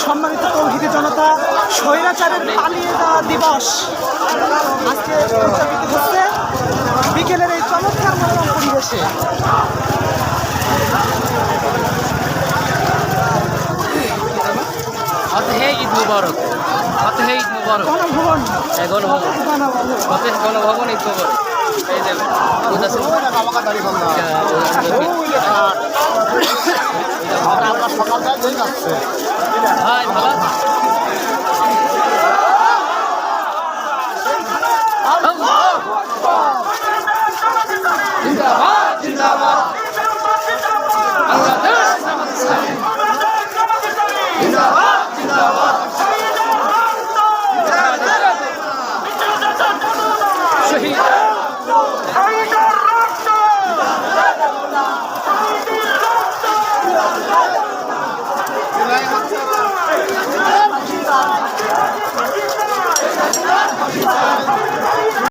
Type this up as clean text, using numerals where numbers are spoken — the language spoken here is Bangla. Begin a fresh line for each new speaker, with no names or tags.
সম্মানিত তৌহিদি জনতা, স্বৈরাচারের পালিয়ে যাওয়া দিবস আজকে উদযাপিত হচ্ছে বিকেলের এই চমৎকার মনোরম পরিবেশে।
ঈদ মুবারক, ঈদ মুবারক।
গণভবন
গণভবন ঈদ মুবারক। এই যে ভাই ভালো